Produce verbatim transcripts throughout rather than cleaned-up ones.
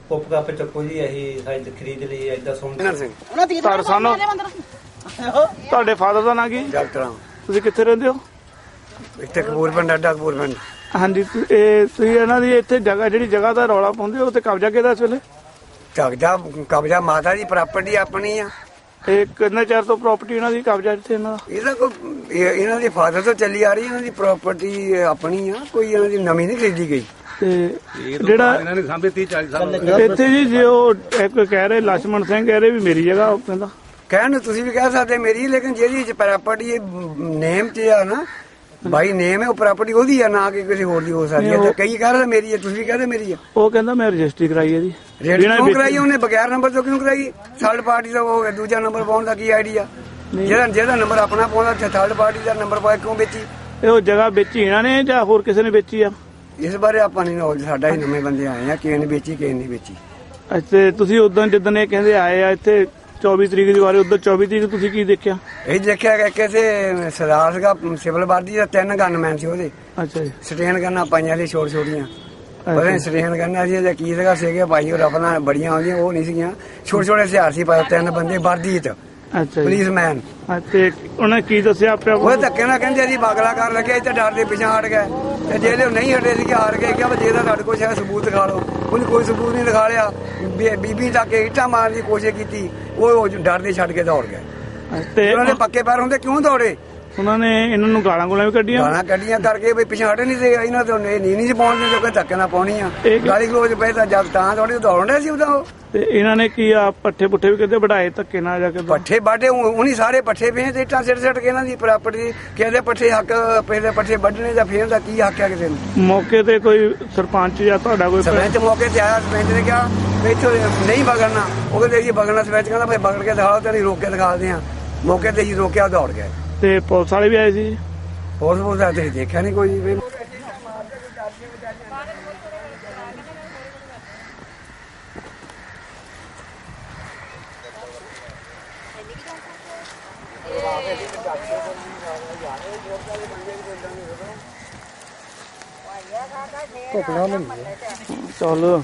ਕੁੱਪ cup ਚੱਕੋ ਜੀ ਅਸੀਂ ਸਾਈਜ਼ ਖਰੀਦ ਲਈ ਏਦਾਂ ਸੋਹਣਾ ਸਿੰਘ ਤੁਹਾਡੇ ਸਾਨੂੰ ਤੁਹਾਡੇ ਫਾਦਰ ਦਾ ਨਾਂ ਕੀ? ਡਾਕਟਰ ਤੁਸੀਂ ਕਿੱਥੇ ਰਹਿੰਦੇ ਹੋ? ਇੱਥੇ ਕਪੂਰਪਿੰਡ ਅੱਡਾ ਕਪੂਰਪਿੰਡ। ਹਾਂਜੀ ਇਹ ਤੁਸੀਂ ਇਹਨਾਂ ਦੀ ਇੱਥੇ ਜਗ੍ਹਾ ਜਿਹੜੀ ਜਗ੍ਹਾ ਦਾ ਰੌਲਾ ਪਾਉਂਦੇ ਹੋ ਤੇ ਕਬਜ਼ਾ ਕਿਹਦਾ ਇਸ ਵੇਲੇ? ਕਬਜ਼ਾ ਕਬਜ਼ਾ ਮਾਤਾ ਦੀ ਪ੍ਰਾਪਰਟੀ ਆਪਣੀ ਆ। ਇਹ ਕਿੰਨੇ ਚਿਰ ਤੋਂ ਪ੍ਰਾਪਰਟੀ ਇਹਨਾਂ ਦੀ ਕਬਜ਼ਾ ਇੱਥੇ ਇਹਨਾਂ ਦਾ? ਇਹਦਾ ਕੋਈ ਇਹਨਾਂ ਦੇ ਫਾਦਰ ਤੋਂ ਚੱਲੀ ਆ ਰਹੀ, ਇਹਨਾਂ ਦੀ ਪ੍ਰਾਪਰਟੀ ਆਪਣੀ ਆ, ਕੋਈ ਇਹਨਾਂ ਦੀ ਨਵੀਂ ਨਹੀਂ ਖਰੀਦੀ ਗਈ। ਤੇ ਜਿਹੜਾ ਇਹਨਾਂ ਨੇ ਸਾਂਭੇ ਤੀਹ ਚਾਲੀ ਸਾਲ ਇੱਥੇ ਜੀ ਜੇ ਉਹ ਇੱਕ ਕਹਿ ਰਹੇ ਲਛਮਣ ਸਿੰਘ ਕਹਿ ਰਹੇ ਵੀ ਮੇਰੀ ਜਗ੍ਹਾ ਉਹ ਕਹਿੰਦਾ ਕਹਿਣ ਨੂੰ ਤੁਸੀਂ ਵੀ ਕਹਿ ਸਕਦੇ ਮੇਰੀ, ਲੇਕਿਨ ਜਿਹਦੀ ਪ੍ਰਾਪਰਟੀ ਨੇਮ ਤੇ ਆ ਨਾ ਬਾਈ ਨੇਮ ਹੈ, ਉਹ ਪ੍ਰਾਪਰਟੀ ਉਹਦੀ ਆ, ਨਾ ਕਿ ਕਿਸੇ ਹੋਰ ਦੀ ਹੋ ਸਕਦੀ ਹੈ। ਕਈ ਕਹਿ ਰਹੇ ਮੇਰੀ ਹੈ, ਤੁਸੀਂ ਕਹਿੰਦੇ ਮੇਰੀ ਆ। ਉਹ ਕਹਿੰਦਾ ਮੈਂ ਰਜਿਸਟਰੀ ਕਰਾਈ ਹੈ ਜੀ। ਰਜਿਸਟਰੀ ਕਰਾਈ ਉਹਨੇ ਬਗੈਰ ਨੰਬਰ ਤੋਂ ਕਿਉਂ ਕਰਾਈ? ਥਰਡ ਪਾਰਟੀ ਦਾ ਉਹ ਦੂਜਾ ਨੰਬਰ ਪਾਉਣ ਦਾ ਕੀ ਆਈਡੀਆ? ਜਿਹੜਾ ਜਿਹਦਾ ਨੰਬਰ ਆਪਣਾ ਪਾਉਂਦਾ ਥਰਡ ਪਾਰਟੀ ਦਾ ਨੰਬਰ ਪਾ ਕਿਉਂ ਵੇਚੀ? ਇਹ ਉਹ ਜਗ੍ਹਾ ਵੇਚੀ ਇਹਨਾਂ ਨੇ ਜਾਂ ਹੋਰ ਕਿਸੇ ਨੇ ਵੇਚੀ ਆ? ਇਸ ਬਾਰੇ ਆਪਾਂ ਨਹੀਂ ਨੌਲੇਜ, ਸਾਡਾ ਹੀ ਨਵੇਂ ਬੰਦੇ ਆਏ ਆ, ਕਿਸੇ ਨੇ ਵੇਚੀ ਕਿਸੇ ਨੇ ਵੇਚੀ। ਅੱਛਾ ਤੁਸੀਂ ਉਦੋਂ ਜਿੱਦਣ ਇਹ ਕਹਿੰਦੇ ਆਏ ਆ ਇੱਥੇ ਚੌਬੀ ਤਰੀਕ ਦੀ ਵਾਰੀ, ਉਦੋਂ ਚੌਬੀ ਤਰੀਕ ਤੁਸੀਂ ਕੀ ਦੇਖਿਆ? ਇਹ ਦੇਖਿਆ ਕਿ ਕਿਸੇ ਸਰਦਾਰ ਸੀਗਾ ਸਿਵਲ ਵਰਦੀ ਦਾ, ਤਿੰਨ ਗਨਮੈਨ ਸੀ ਉਹਦੇ। ਅੱਛਾ ਜੀ। ਸਟੇਨ ਗੰਨਾਂ ਪਾਈਆਂ ਸੀ ਛੋਟ ਛੋਟੀਆਂ, ਪਤਾ ਸਟੇਨ ਗੰਨਾਂ ਸੀ ਜਾਂ ਕੀ ਸੀਗਾ, ਸੀਗੇ ਭਾਈ ਉਹ ਰਫਲਾਂ ਬੜੀਆਂ ਆਉਂਦੀਆਂ, ਉਹ ਨਹੀਂ ਸੀਗੀਆਂ, ਛੋਟੇ ਛੋਟੇ ਹਥਿਆਰ ਸੀ ਪਾਏ, ਤਿੰਨ ਬੰਦੇ ਵਰਦੀ ਚ। ਅੱਛਾ ਪੁਲਿਸਮੈਨ। ਤੇ ਉਹਨੇ ਕੀ ਦੱਸਿਆ ਆਪਿਆ? ਉਹ ਧੱਕੇ ਨਾਲ ਕਹਿੰਦੇ ਅਸੀਂ ਬਾਗਲਾ ਕਰ ਲੱਗੇ, ਇੱਥੇ ਡਰ ਦੇ ਪਿੱਛੇ ਹਟ ਗਏ, ਤੇ ਜਿਹੜੇ ਉਹ ਨਹੀਂ ਹਟੇ ਸੀਗੇ ਹਾਰ ਗਏ, ਕਿਹਾ ਜੇ ਤਾਂ ਤੁਹਾਡੇ ਕੋਲ ਸ਼ਾਇਦ ਸਬੂਤ ਦਿਖਾ ਲਓ। ਉਹਨੇ ਕੋਈ ਸਬੂਤ ਨਹੀਂ ਦਿਖਾ ਲਿਆ। ਬੀਬੀ ਤੱਕ ਇੱਟਾਂ ਮਾਰਨ ਦੀ ਕੋਸ਼ਿਸ਼ ਕੀਤੀ, ਉਹ ਡਰ ਦੇ ਛੱਡ ਕੇ ਦੌੜ ਗਏ। ਤੇ ਉਹਨਾਂ ਦੇ ਪੱਕੇ ਪੈਰ ਹੁੰਦੇ ਕਿਉਂ ਦੌੜੇ? ਉਹਨਾਂ ਨੇ ਇਹਨਾਂ ਨੂੰ ਗਾਲਾਂ ਗੋਲਾਂ ਵੀ ਕੱਢੀਆਂ? ਗਾਲਾਂ ਕੱਢੀਆਂ ਕਰਕੇ ਵੀ ਪਿੱਛੇ ਹਟੇ ਨਹੀਂ ਸੀ, ਇਹਨਾਂ ਤੋਂ ਨੀ ਨਹੀਂ ਸੀ ਪਾਉਣ ਦਿੰਦੇ, ਕੋਈ ਧੱਕੇ ਨਾਲ ਪਾਉਣੀ ਆ। ਗਾਲੀ ਗਲੋਚ ਪਏ ਤਾਂ ਜਦ ਤਾਂ ਥੋੜੀ ਦੌੜਨ ਡਿਆ ਸੀ ਉਦੋਂ ਉਹ। ਤੇ ਇਹਨਾਂ ਨੇ ਕੀ ਆ ਪੱਠੇ ਪੁੱਠੇ ਵੀ ਕਿਤੇ ਵਢਾਏ ਧੱਕੇ ਨਾਲ ਜਾ ਕੇ? ਪੱਠੇ ਬਾਡੇ ਉਹਨੀ ਸਾਰੇ ਪੱਠੇ ਪਏ ਤੇ ਇੱਟਾਂ ਸਿੱਟ ਸਿੱਟ ਕੇ ਇਹਨਾਂ ਦੀ ਪ੍ਰਾਪਰਟੀ ਕਹਿੰਦੇ ਪੱਠੇ ਹੱਕ ਪਹਿਲੇ ਪੱਠੇ ਵੱਢਣੇ ਦਾ ਫੇਰ ਦਾ ਕੀ ਹੱਕ ਆ ਕਿਸੇ ਨੂੰ? ਮੌਕੇ ਤੇ ਕੋਈ ਸਰਪੰਚ ਜਾਂ ਤੁਹਾਡਾ ਕੋਈ ਸਰਪੰਚ ਮੌਕੇ ਤੇ ਆਇਆ, ਸਰਪੰਚ ਨੇ ਕਿਹਾ ਵੀ ਇੱਥੋਂ ਨਹੀਂ ਬਗੜਨਾ, ਉਹ ਕਹਿੰਦੇ ਜੀ ਬਗੜਨਾ। ਸਰਪੰਚ ਕਹਿੰਦਾ ਭਾਈ ਬਗੜ ਕੇ ਦਿਖਾਓ ਤੇ ਨਹੀਂ ਰੋਕ ਕੇ ਦਿਖਾਦੇ ਆ। ਮੌਕੇ ਤੇ ਜੀ ਰੋਕਿਆ, ਦੌੜ ਗਏ। ਤੇ ਪੁਲਿਸ ਵਾਲੇ ਵੀ ਆਏ ਸੀ? ਪੁਲਿਸ ਪੁਲਿਸ ਆ ਤੇ ਦੇਖਿਆ ਨਹੀਂ ਕੋਈ ਵੀ। ਚਲੋ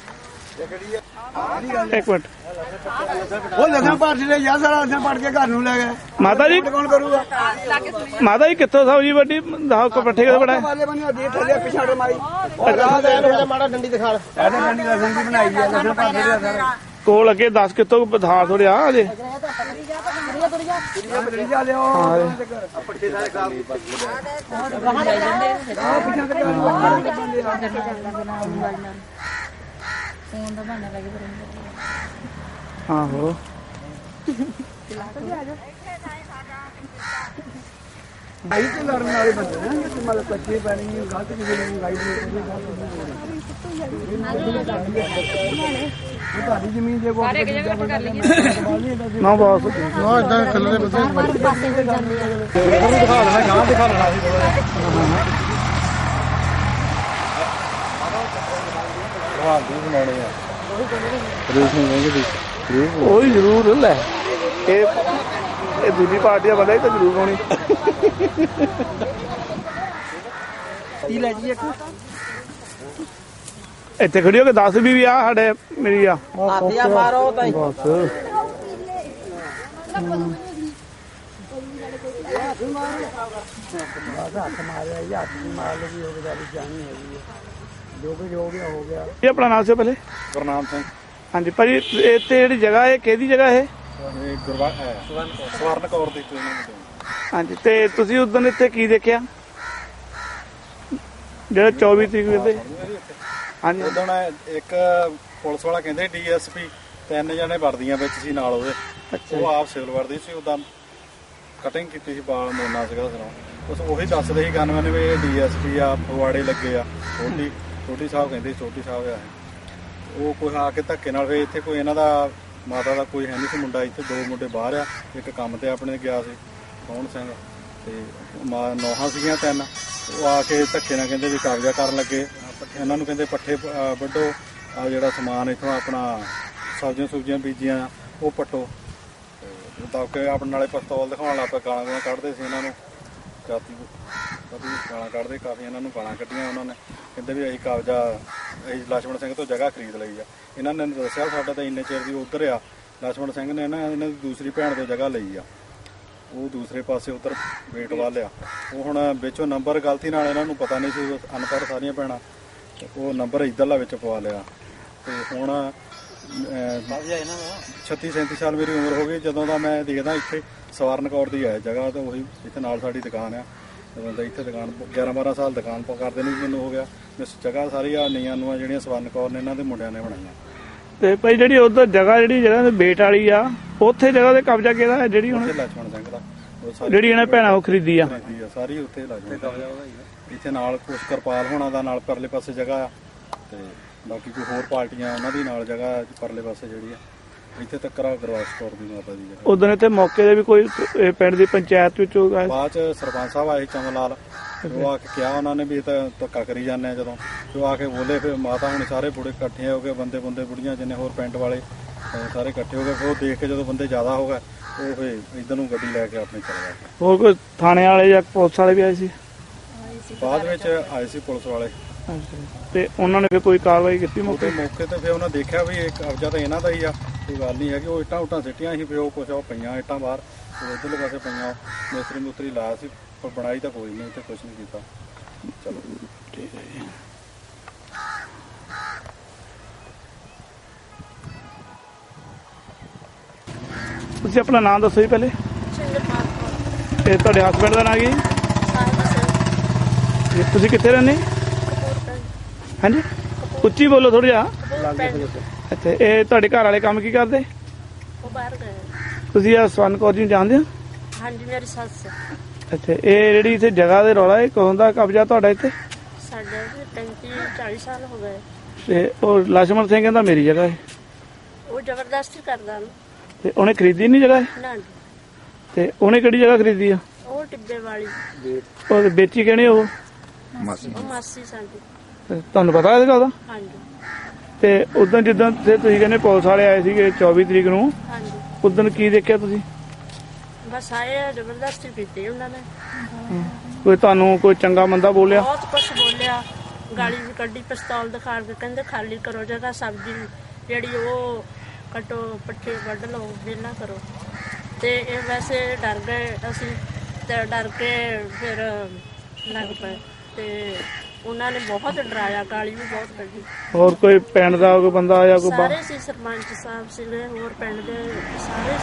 ਇੱਕ ਮਿੰਟ। ਉਹ ਲਸਣ ਪਾੜ ਦੇ ਯਾਰ, ਸਾਰਾ ਲਸਣ ਪਾੜ ਕੇ ਘਰ ਨੂੰ ਲੈ ਗਏ। ਮਾਤਾ ਜੀ ਕੌਣ ਕਰੂਗਾ? ਮਾਤਾ ਜੀ ਕਿੱਥੋਂ ਸਬਜ਼ੀ ਵੱਡੀ ਦਸ ਕੋ ਪੱਠੇ ਕਿਤੇ ਵੜਾਏ? ਪਿਛਾੜੇ ਮਾਰੀ ਮਾੜਾ ਡੰਡੀ ਦਿਖਾ, ਡੰਡੀ ਲਸਣ ਦੀ ਬਣਾਈ ਹੈ, ਲਸਣ ਪਾੜ ਦੇ ਸਾਰਾ ਕੋਲ ਅੱਗੇ ਦਸ ਕਿੱਥੋਂ ਬਧਾਰ ਥੋੜਿਆ ਅਜੇ ਆਹੋ। ਭਾਈ ਤੇ ਲੜਨ ਵਾਲੇ ਬੰਦੇ ਨੇ, ਮਤਲਬ ਕੱਚੇ ਪੈਣੀ ਗਲਤ ਕਿਸੇ ਨੂੰ ਗਾਈਡ ਨਹੀਂ ਤੁਹਾਡੀ ਜ਼ਮੀਨ ਦੇ ਕੋਲ ਨਾ ਬਸ ਨਾ ਇਦਾਂ ਖੱਲੇ ਦੇ ਬੰਦੇ ਦਿਖਾ ਲੈਣਾ, ਗਾਂ ਦਿਖਾ ਲੈਣਾ ਸੀ ਬਣਾਉਣੇ ਆ। ਉਹ ਹੀ ਜ਼ਰੂਰ ਲੈ, ਇਹ ਇਹ ਦੂਜੀ ਪਾਰਟੀ ਦਾ ਬੰਦਾ ਹੀ ਤਾਂ ਜ਼ਰੂਰ ਹੋਣੀ। ਇੱਥੇ ਖੜੀ ਹੋ ਕੇ ਦੱਸ ਵੀ ਆ ਸਾਡੇ ਮੇਰੀ ਆ ਬਸ। ਇਹ ਆਪਣਾ ਨਾਮ ਸੀ ਪਹਿਲੇ? ਗੁਰਨਾਮ ਸਿੰਘ। ਹਾਂਜੀ ਭਾਜੀ, ਇੱਥੇ ਜਿਹੜੀ ਜਗ੍ਹਾ ਇਹ ਕਿਹਦੀ ਜਗ੍ਹਾ ਇਹ? ਸਵਰਨ ਕੌਰ ਦੀ। ਹਾਂਜੀ, ਤੇ ਤੁਸੀਂ ਉਸ ਦਿਨ ਇੱਥੇ ਕੀ ਦੇਖਿਆ ਜਿਹੜਾ ਚੌਵੀ ਤਰੀਕ ਦੇ? ਹਾਂਜੀ, ਉਦੋਂ ਇੱਕ ਪੁਲਿਸ ਵਾਲਾ ਕਹਿੰਦੇ ਡੀ ਐਸ ਪੀ ਤਿੰਨ ਜਣੇ ਵਰਦੀਆਂ ਵਿੱਚ ਸੀ ਨਾਲ ਉਹਦੇ। ਉਹ ਆਪ ਸਿਵਲ ਵਰਦੀ ਸੀ, ਉਦਾਂ ਕਟਿੰਗ ਕੀਤੀ ਸੀ, ਬਾਲ ਮੋਨਾ ਸੀਗਾ ਸਿਰੋਂ। ਬਸ ਉਹੀ ਦੱਸਦੇ ਸੀ ਗਨਮੈਨ ਵੀ ਇਹ ਡੀ ਐਸ ਪੀ ਆ, ਫਗਵਾੜੇ ਲੱਗੇ ਆ। ਛੋਟੀ ਛੋਟੀ ਸਾਹਿਬ ਕਹਿੰਦੇ ਛੋਟੀ ਸਾਹਿਬ ਆ। ਉਹ ਕੋਈ ਆ ਕੇ ਧੱਕੇ ਨਾਲ ਫਿਰ ਇੱਥੇ ਕੋਈ ਇਹਨਾਂ ਦਾ ਮਾਤਾ ਦਾ ਕੋਈ ਹੈ ਨਹੀਂ ਸੀ ਮੁੰਡਾ, ਇੱਥੇ ਦੋ ਮੁੰਡੇ ਬਾਹਰ ਆ, ਇੱਕ ਕੰਮ ਤੇ ਆਪਣੇ ਗਿਆ ਸੀ ਕੌਣ ਸਿੰਘ, ਤੇ ਮਾਂ ਨੌਹਾਂ ਸੀਗੀਆਂ ਤਿੰਨ। ਉਹ ਆ ਕੇ ਧੱਕੇ ਨਾਲ ਕਹਿੰਦੇ ਵੀ ਕਬਜ਼ਾ ਕਰਨ ਲੱਗੇ। ਇਹਨਾਂ ਨੂੰ ਕਹਿੰਦੇ ਪੱਠੇ ਵੱਢੋ, ਆ ਜਿਹੜਾ ਸਮਾਨ ਇੱਥੋਂ ਆਪਣਾ ਸਬਜ਼ੀਆਂ ਸੁਬਜ਼ੀਆਂ ਬੀਜੀਆਂ ਉਹ ਪੱਟੋ। ਤਾਂ ਕਿ ਆਪਣੇ ਨਾਲੇ ਪਿਸਤੌਲ ਦਿਖਾਉਣ ਲੱਗ ਪਏ, ਗਾਲਾਂ ਗਾਲਾਂ ਕੱਢਦੇ ਸੀ ਇਹਨਾਂ ਨੂੰ, ਜਾਤੀ ਕਦੀ ਗਾਲਾਂ ਕੱਢਦੇ, ਕਾਫੀ ਇਹਨਾਂ ਨੂੰ ਗਾਲਾਂ ਕੱਢੀਆਂ ਉਹਨਾਂ ਨੇ। ਕਹਿੰਦੇ ਵੀ ਅਸੀਂ ਕਬਜ਼ਾ ਅਸੀਂ ਲਛਮਣ ਸਿੰਘ ਤੋਂ ਜਗ੍ਹਾ ਖਰੀਦ ਲਈ ਆ। ਇਹਨਾਂ ਨੇ ਦੱਸਿਆ ਸਾਡਾ ਤਾਂ ਇੰਨੇ ਚਿਰ ਦੀ ਉੱਧਰ ਆ। ਲਛਮਣ ਸਿੰਘ ਨੇ ਨਾ ਇਹਨਾਂ ਦੀ ਦੂਸਰੀ ਭੈਣ ਤੋਂ ਜਗ੍ਹਾ ਲਈ ਆ, ਉਹ ਦੂਸਰੇ ਪਾਸੇ ਉੱਧਰ ਵੇਟ ਵੱਲ ਆ। ਉਹ ਹੁਣ ਵਿੱਚੋਂ ਨੰਬਰ ਗਲਤੀ ਨਾਲ ਇਹਨਾਂ ਨੂੰ ਪਤਾ ਨਹੀਂ ਸੀ, ਅਨਪੜ੍ਹ ਸਾਰੀਆਂ ਭੈਣਾਂ, ਉਹ ਨੰਬਰ ਇੱਧਰਲਾ ਵਿੱਚ ਪਵਾ ਲਿਆ। ਤੇ ਹੁਣ ਛੱਤੀ ਸੈਂਤੀ ਸਾਲ ਮੇਰੀ ਉਮਰ ਹੋ ਗਈ ਜਦੋਂ ਦਾ ਮੈਂ ਦੇਖਦਾ ਇੱਥੇ ਸਵਰਨ ਕੌਰ ਦੀ ਹੈ ਜਗ੍ਹਾ, ਤਾਂ ਉਹੀ ਇੱਥੇ ਨਾਲ ਸਾਡੀ ਦੁਕਾਨ ਆ। ਜਦੋਂ ਦਾ ਇੱਥੇ ਦੁਕਾਨ ਗਿਆਰਾਂ ਬਾਰਾਂ ਸਾਲ ਦੁਕਾਨ ਕਰਦੇ ਨੂੰ ਮੈਨੂੰ ਹੋ ਗਿਆ। ਇਸ ਜਗ੍ਹਾ ਸਾਰੀ ਆ ਨੀਆਂ ਨੂੰ ਜਿਹੜੀਆਂ ਸਵਰਨ ਕੌਰ ਨੇ ਇਹਨਾਂ ਦੇ ਮੁੰਡਿਆਂ ਨੇ ਬਣਾਈਆਂ। ਤੇ ਭਾਈ ਜਿਹੜੀ ਉਧਰ ਜਗ੍ਹਾ ਜਿਹੜੀ ਜਗ੍ਹਾ ਬੇਟ ਵਾਲੀ ਆ, ਉੱਥੇ ਜਗ੍ਹਾ ਤੇ ਕਬਜ਼ਾ ਕਿਹਦਾ ਹੈ ਜਿਹੜੀ ਹੁਣ ਲਛਮਣ ਸਿੰਘ ਦਾ, ਜਿਹੜੀ ਇਹਨਾਂ ਭੈਣਾਂ ਉਹ ਖਰੀਦੀ ਆ? ਸਾਰੀ ਉੱਥੇ ਲਛਮਣ ਕਬਜ਼ਾ ਉਹਦਾ ਹੀ ਆ। ਇੱਥੇ ਨਾਲ ਕੁਛ ਕਿਰਪਾਲ ਹੋਣਾ ਦਾ ਨਾਲ ਪਰਲੇ ਪਾਸੇ ਜਗ੍ਹਾ ਆ, ਤੇ ਬਾਕੀ ਕੋਈ ਹੋਰ ਪਾਰਟੀਆਂ ਉਹਨਾਂ ਦੀ ਨਾਲ ਜਗ੍ਹਾ ਪਰਲੇ ਪਾਸੇ ਜਿਹੜੀ ਆ। ਇੱਥੇ ਤੱਕ ਗੁਰਵਾਸ ਕੌਰ ਦੀ ਮਾਤਾ ਦੀ ਜਗ੍ਹਾ। ਉਦੋਂ ਇੱਥੇ ਮੌਕੇ ਦੇ ਵੀ ਕੋਈ ਪਿੰਡ ਦੀ ਪੰਚਾਇਤ ਵਿੱਚੋਂ ਬਾਅਦ ਚ ਸਰਪੰਚ ਸਾਹਿਬ ਆਏ ਚਮਨ ਲਾਲ, ਉਹ ਆ ਕੇ ਕਿਹਾ ਉਹਨਾਂ ਨੇ ਵੀ ਇਹ ਤਾਂ ਧੱਕਾ ਕਰੀ ਜਾਂਦੇ ਆ। ਜਦੋਂ ਉਹ ਆ ਕੇ ਬੋਲੇ ਫਿਰ ਮਾਤਾ ਹੁਣ ਸਾਰੇ ਬੁੜੇ ਇਕੱਠੇ ਹੋ ਗਏ, ਬੰਦੇ ਬੰਦੇ ਬੁੜੀਆਂ ਜਿੰਨੇ ਹੋਰ ਪਿੰਡ ਵਾਲੇ ਸਾਰੇ ਇਕੱਠੇ ਹੋ ਗਏ। ਫਿਰ ਉਹ ਦੇਖ ਕੇ ਜਦੋਂ ਬੰਦੇ ਜ਼ਿਆਦਾ ਹੋ ਗਏ ਉਹ ਫਿਰ ਇੱਧਰ ਨੂੰ ਗੱਡੀ ਲੈ ਕੇ ਆਪਣੇ ਚਲੇ ਗਏ। ਹੋਰ ਕੋਈ ਥਾਣੇ ਵਾਲੇ ਜਾਂ ਪੁਲਿਸ ਵਾਲੇ ਵੀ ਆਏ ਸੀ? ਬਾਅਦ ਵਿੱਚ ਆਏ ਸੀ ਪੁਲਿਸ ਵਾਲੇ, ਤੇ ਉਹਨਾਂ ਨੇ ਫਿਰ ਕੋਈ ਕਾਰਵਾਈ ਕੀਤੀ ਮੌਕੇ ਮੌਕੇ ਤੇ? ਫਿਰ ਉਹਨਾਂ ਦੇਖਿਆ ਵੀ ਇਹ ਕਬਜ਼ਾ ਤਾਂ ਇਹਨਾਂ ਦਾ ਹੀ ਆ, ਕੋਈ ਗੱਲ ਨਹੀਂ ਹੈਗੀ। ਉਹ ਇੱਟਾਂ ਉੱਟਾਂ ਸਿੱਟੀਆਂ ਸੀ, ਫਿਰ ਉਹ ਕੁਛ ਉਹ ਪਈਆਂ ਇੱਟਾਂ ਬਾਹਰ ਇੱਧਰਲੇ ਪਾਸੇ ਪਈਆਂ। ਮਿਸਤਰੀ ਮੁਸਤਰੀ ਲਾਇਆ ਸੀ ਪਰ ਬਣਾਈ ਤਾਂ ਕੋਈ ਨਹੀਂ, ਤੇ ਕੁਛ ਨਹੀਂ ਕੀਤਾ। ਚਲੋ ਠੀਕ ਹੈ ਜੀ। ਤੁਸੀਂ ਆਪਣਾ ਨਾਮ ਦੱਸੋ ਜੀ ਪਹਿਲੇ। ਤੇ ਤੁਹਾਡੇ ਹਸਬੈਂਡ ਦਾ ਨਾਮ ਕੀ? ਤੁਸੀਂ ਕਿੱਥੇ ਰਹਿੰਦੇ? ਹਾਂਜੀ ਉੱਚੀ ਬੋਲੋ ਥੋੜਾ ਜਿਹਾ। ਅੱਛਾ, ਇਹ ਤੁਹਾਡੇ ਘਰ ਵਾਲੇ ਕੰਮ ਕੀ ਕਰਦੇ? ਉਹ ਬਾਹਰ ਗਏ। ਤੁਸੀਂ ਆ ਸਵਰਨ ਕੌਰ ਜੀ ਨੂੰ ਜਾਣਦੇ ਹੋ? ਹਾਂਜੀ ਮੇਰੀ ਸੱਸ। ਅੱਛਾ, ਇਹ ਜਿਹੜੀ ਇੱਥੇ ਜਗ੍ਹਾ ਦੇ ਰੌਲਾ ਇਹ ਕਦੋਂ ਦਾ ਕਬਜ਼ਾ ਤੁਹਾਡਾ ਇੱਥੇ? ਸਾਡੇ ਪੈਂਤੀ ਚਾਲੀ ਸਾਲ ਹੋ ਗਏ। ਤੇ ਉਹ ਲਛਮਣ ਸਿੰਘ ਕਹਿੰਦਾ ਮੇਰੀ ਜਗ੍ਹਾ ਹੈ। ਉਹ ਜ਼ਬਰਦਸਤੀ ਕਰਦਾ ਨਾ। ਤੇ ਉਹਨੇ ਖਰੀਦੀ ਨਹੀਂ ਜਗ੍ਹਾ? ਨਾ ਤੇ ਉਹਨੇ ਕਿਹੜੀ ਜਗ੍ਹਾ ਖਰੀਦੀ ਆ? ਉਹ ਟਿੱਬੇ ਵਾਲੀ। ਉਹ ਵੇਚੀ ਕਿਹਨੇ? ਉਹ ਉਹ ਮਾਸੀ ਸਾਡੀ। ਤੇ ਤੁਹਾਨੂੰ ਪਤਾ ਇਹਦਾ ਉਹਦਾ? ਹਾਂਜੀ। ਤੇ ਉਦੋਂ ਜਿੱਦਾਂ ਤੁਸੀਂ ਕਹਿੰਦੇ ਪੁਲਿਸ ਵਾਲੇ ਆਏ ਸੀਗੇ ਚੌਵੀ ਤਰੀਕ ਨੂੰ, ਹਾਂਜੀ ਉਦੋਂ ਕੀ ਦੇਖਿਆ ਤੁਸੀਂ? ਬਸ ਆਏ ਜ਼ਬਰਦਸਤੀ ਕੀਤੀ ਉਹਨਾਂ ਨੇ। ਕੋਈ ਤੁਹਾਨੂੰ ਕੋਈ ਚੰਗਾ ਮੰਦਾ ਬੋਲਿਆ? ਬਹੁਤ ਕੁਛ ਬੋਲਿਆ, ਗਾਲੀ ਵੀ ਕੱਢੀ, ਪਿਸਤੌਲ ਦਿਖਾ ਕੇ ਕਹਿੰਦੇ ਖਾਲੀ ਕਰੋ ਜਗ੍ਹਾ, ਸਬਜ਼ੀ ਜਿਹੜੀ ਉਹ ਕੱਟੋ, ਪੱਠੇ ਵੱਢ ਲਓ, ਵਿਹਲਾ ਕਰੋ। ਤੇ ਇਹ ਵੈਸੇ ਡਰ ਗਏ ਅਸੀਂ, ਤੇ ਡਰ ਕੇ ਫਿਰ ਲੱਗ ਪਏ। ਤੇ ਉਹਨਾਂ ਨੇ ਬਹੁਤ ਡਰਾਇਆ, ਗਾਲੀ ਵੀ ਬਹੁਤ ਕੱਢੀ। ਹੋਰ ਕੋਈ ਪਿੰਡ ਦਾ ਕੋਈ ਬੰਦਾ ਆਇਆ? ਕੋਈ ਸਾਰੇ ਸੀ, ਸਰਪੰਚ ਸਾਹਿਬ ਸੀਗੇ, ਹੋਰ ਪਿੰਡ ਦੇ ਸਾਰੇ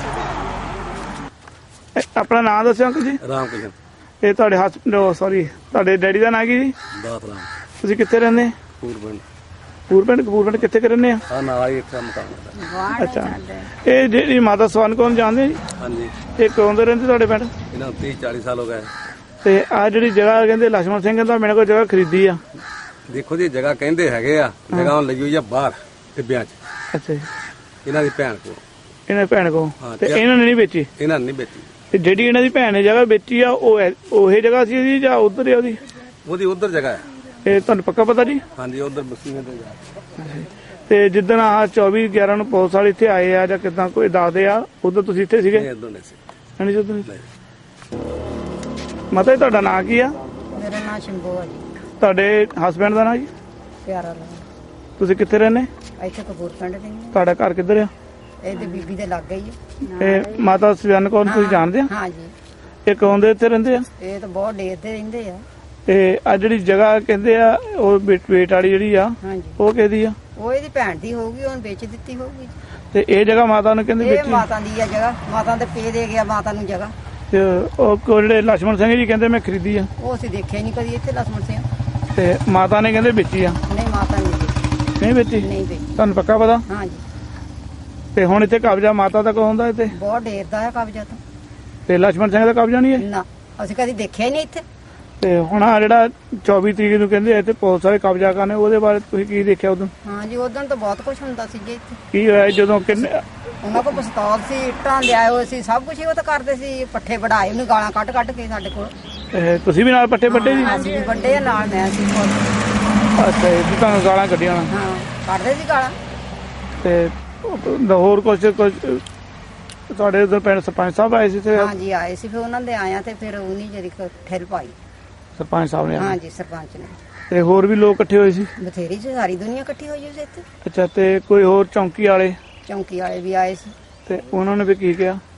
ਸੀਗੇ। ਆਪਣਾ ਨਾਮ ਦੱਸਿਓ ਅੰਕਲ ਜੀ। ਰਾਮ ਕਿਸ਼ਨ। ਇਹ ਤੁਹਾਡੇ ਹਸਬੈਂਡ ਸੌਰੀ ਤੁਹਾਡੇ ਡੈਡੀ ਦਾ ਨਾਂ ਕੀ ਜੀ? ਦਾਤ ਰਾਮ। ਤੁਸੀਂ ਕਿੱਥੇ ਰਹਿੰਦੇ? ਪੂਰਬਿੰਡ। ਪੂਰਬਿੰਡ। ਕਪੂਰਬਿੰਡ ਕਿੱਥੇ ਕੁ ਰਹਿੰਦੇ ਆ? ਆ ਨਾਲ ਹੀ ਇੱਕ ਮਕਾਨ ਹੈ। ਅੱਛਾ, ਇਹ ਜਿਹੜੀ ਮਾਤਾ ਸਵਰਨ ਕੌਰ ਜਾਣਦੇ ਜੀ? ਹਾਂਜੀ। ਇਹ ਕਦੋਂ ਦੇ ਰਹਿੰਦੇ ਤੁਹਾਡੇ ਪਿੰਡ? ਇਹਨਾਂ ਨੂੰ ਤੀਹ ਚਾਲੀ ਸਾਲ ਹੋ ਗਏ। ਤੇ ਆ ਜਿਹੜੀ ਜਗ੍ਹਾ ਕਹਿੰਦੇ ਲਛਮਣ ਸਿੰਘ ਕਹਿੰਦਾ ਮੇਰੇ ਕੋਲ ਜਗ੍ਹਾ ਖਰੀਦੀ ਆ। ਦੇਖੋ ਜੀ ਜਗ੍ਹਾ ਕਹਿੰਦੇ ਹੈਗੇ ਆ, ਜਗ੍ਹਾ ਲਈ ਹੋਈ ਆ ਬਾਹਰ ਟਿੱਬਿਆਂ 'ਚ। ਅੱਛਾ ਜੀ। ਇਹਨਾਂ ਦੀ ਭੈਣ ਕੋਲ। ਇਹਨਾਂ ਭੈਣ ਕੋਲ? ਹਾਂ, ਤੇ ਇਹਨਾਂ ਨੇ ਨਹੀਂ ਵੇਚੀ? ਇਹਨਾਂ ਨੇ ਨਹੀਂ ਵੇਚੀ। ਤੇ ਜਿਹੜੀ ਇਹਨਾਂ ਦੀ ਭੈਣ ਨੇ ਜਗ੍ਹਾ ਵੇਚੀ ਆ ਉਹ ਉਹੀ ਜਗ੍ਹਾ ਸੀ ਉਹਦੀ ਜਾਂ ਉਧਰ ਹੀ ਉਹਦੀ? ਉਹਦੀ ਉਧਰ ਜਗ੍ਹਾ ਹੈ। ਇਹ ਤੁਹਾਨੂੰ ਪੱਕਾ ਪਤਾ ਜੀ? ਹਾਂਜੀ ਉਧਰ ਬਸੀਆਂ ਤੇ ਜਾ। ਤੇ ਜਿੱਦਣ ਆਹ ਚੌਵੀ ਗਿਆਰਾਂ ਨੂੰ ਪੁਲਿਸ ਵਾਲੇ ਇੱਥੇ ਆਏ ਆ ਜਾਂ ਕਿਦਾਂ ਕੋਈ ਦੱਸਦੇ ਆ, ਉਦੋਂ ਤੁਸੀਂ ਇੱਥੇ ਸੀਗੇ? ਨਹੀਂ ਉਧਰ ਨਹੀਂ ਸੀ। ਹਾਂਜੀ ਉਦੋਂ ਨਹੀਂ। ਮਾਤਾ ਜੀ ਤੁਹਾਡਾ ਨਾਂ ਕੀ ਆ? ਮੇਰਾ ਨਾਮ ਸ਼ੰਭੂ ਆ ਜੀ। ਤੁਹਾਡੇ ਹਸਬੈਂਡ ਦਾ ਨਾਂ ਜੀ? ਪਿਆਰਾ ਲਾਲ। ਤੁਸੀਂ ਕਿੱਥੇ ਰਹਿੰਦੇ? ਇੱਥੇ ਕਪੂਰਪਿੰਡ ਦੇ ਨੇ। ਤੁਹਾਡਾ ਘਰ ਕਿੱਧਰ ਆ? ਇਹਦੇ ਬੀਬੀ ਦੇ ਲੱਗ ਗਈ ਹੈ। ਇਹ ਮਾਤਾ ਸਵਰਨ ਕੌਰ ਨੂੰ ਤੁਸੀਂ ਜਾਣਦੇ ਆ? ਹਾਂ ਜੀ। ਇਹ ਕੌਣ ਦੇ ਇੱਥੇ ਰਹਿੰਦੇ ਆ? ਇਹ ਤਾਂ ਬਹੁਤ ਡੇਰਦੇ ਰਹਿੰਦੇ ਆ। ਤੇ ਆ ਜਿਹੜੀ ਜਗ੍ਹਾ ਕਹਿੰਦੇ ਆ ਉਹ ਵੇਟ ਵਾਲੀ ਜਿਹੜੀ ਆ ਹਾਂਜੀ। ਉਹ ਕਿਹਦੀ ਆ? ਉਹ ਇਹਦੀ ਭੈਣ ਦੀ ਹੋਊਗੀ, ਉਹਨੂੰ ਵੇਚ ਦਿੱਤੀ ਹੋਊਗੀ। ਤੇ ਇਹ ਜਗ੍ਹਾ ਮਾਤਾ ਨੂੰ ਕਹਿੰਦੇ ਇਹ ਵੇਚੀ? ਮਾਤਾ ਦੀ ਆ ਜਗ੍ਹਾ, ਮਾਤਾ ਦੇ ਪੇ ਦੇ ਗਿਆ ਮਾਤਾ ਨੂੰ ਜਗ੍ਹਾ। ਤੇ ਉਹ ਕੋ ਜਿਹੜੇ ਲਛਮਣ ਸਿੰਘ ਜੀ ਕਹਿੰਦੇ ਮੈਂ ਖਰੀਦੀ ਆ? ਉਹ ਅਸੀਂ ਦੇਖਿਆ ਨਹੀਂ ਕਦੀ ਇੱਥੇ ਲਛਮਣ ਸਿੰਘ। ਤੇ ਮਾਤਾ ਨੇ ਕਹਿੰਦੇ ਵੇਚੀ ਆ? ਨਹੀਂ ਮਾਤਾ ਨਹੀਂ ਵੇਚੀ। ਨਹੀਂ ਵੇਚੀ? ਨਹੀਂ ਵੇਚੀ। ਤੁਹਾਨੂੰ ਪੱਕਾ ਪਤਾ? ਹਾਂ ਜੀ। ਤੇ ਹੁਣ ਇੱਥੇ ਕਬਜ਼ਾ ਮਾਤਾ ਦਾ ਕੋ ਹੁੰਦਾ ਇੱਥੇ? ਬਹੁਤ ਡੇਰਦਾ ਹੈ ਕਬਜ਼ਾ ਤਾਂ। ਤੇ ਲਛਮਣ ਸਿੰਘ ਦਾ ਕਬਜ਼ਾ ਨਹੀਂ ਹੈ? ਨਾ ਅਸੀਂ ਕਦੀ ਦੇਖਿਆ ਹੀ ਨਹੀਂ ਇੱਥੇ। ਤੇ ਹੁਣ ਆ ਜਿਹੜਾ ਚੌਵੀ ਤਰੀਕ ਨੂੰ ਕਹਿੰਦੇ ਇੱਥੇ ਪੁਲਿਸ ਵਾਲੇ ਕਬਜ਼ਾ ਕਰਨੇ, ਉਹਦੇ ਬਾਰੇ ਤੁਸੀਂ ਕੀ ਦੇਖਿਆ ਉਦੋਂ? ਹਾਂ ਜੀ, ਉਦੋਂ ਤਾਂ ਬਹੁਤ ਕੁਝ ਹੁੰਦਾ ਸੀ ਜੀ ਇੱਥੇ। ਕੀ ਹੋਇਆ ਜਦੋਂ ਕਿੰਨੇ? ਉਹਨਾਂ ਕੋਲ ਪਿਸਤੌਲ ਸੀ, ਇੱਟਾਂ ਲਿਆਏ ਹੋਏ ਸੀ, ਸਭ ਕੁਝ ਹੀ ਉਹ ਤਾਂ ਕਰਦੇ ਸੀ। ਪੱਠੇ ਵਢਾਏ ਉਹਨੇ, ਗਾਲਾਂ ਕੱਢ ਕੱਢ ਕੇ ਸਾਡੇ ਕੋਲ। ਇਹ ਤੁਸੀਂ ਵੀ ਨਾਲ ਪੱਠੇ ਵੱਡੇ ਜੀ? ਅਸੀਂ ਵੀ ਵੱਡੇ ਆ, ਨਾਲ ਮੈਂ ਸੀ ਖੁਦ। ਅੱਛਾ ਜੀ, ਤੁਹਾਨੂੰ ਗਾਲਾਂ ਕੱਢੀਆਂ? ਹਾਂ ਕੱਢਦੇ ਸੀ ਗਾਲਾਂ। ਤੇ ਹੋਰ ਕੁਝ ਕੁਝ ਤੁਹਾਡੇ ਉਧਰ ਪਿੰਡ ਸਰਪੰਚ ਸਾਹਿਬ ਆਏ ਸੀ? ਤੇ ਹਾਂ ਜੀ ਆਏ ਸੀ, ਫਿਰ ਉਹਨਾਂ ਦੇ ਆਇਆ ਤੇ ਫਿਰ ਉਹਨੀ ਜਿਹੜੀ ਠਹਿਲ ਪਾਈ ਸਰਪੰਚ ਸਾਹਿਬ ਨੇ? ਹਾਂ ਜੀ ਸਰਪੰਚ ਨੇ। ਤੇ ਹੋਰ ਵੀ ਲੋਕ ਇਕੱਠੇ ਹੋਏ ਸੀ? ਬਥੇਰੀ ਸੀ, ਸਾਰੀ ਦੁਨੀਆ ਇਕੱਠੀ ਹੋਈ ਸੀ ਇੱਥੇ। ਅੱਛਾ, ਤੇ ਕੋਈ ਹੋਰ ਚੌਂਕੀ ਵਾਲੇ? ਚੌਂਕੀ ਵਾਲੇ ਵੀ ਆਏ ਸੀ। ਤੇ ਉਹਨਾਂ ਨੇ ਵੀ ਕੀ ਕਿਹਾ?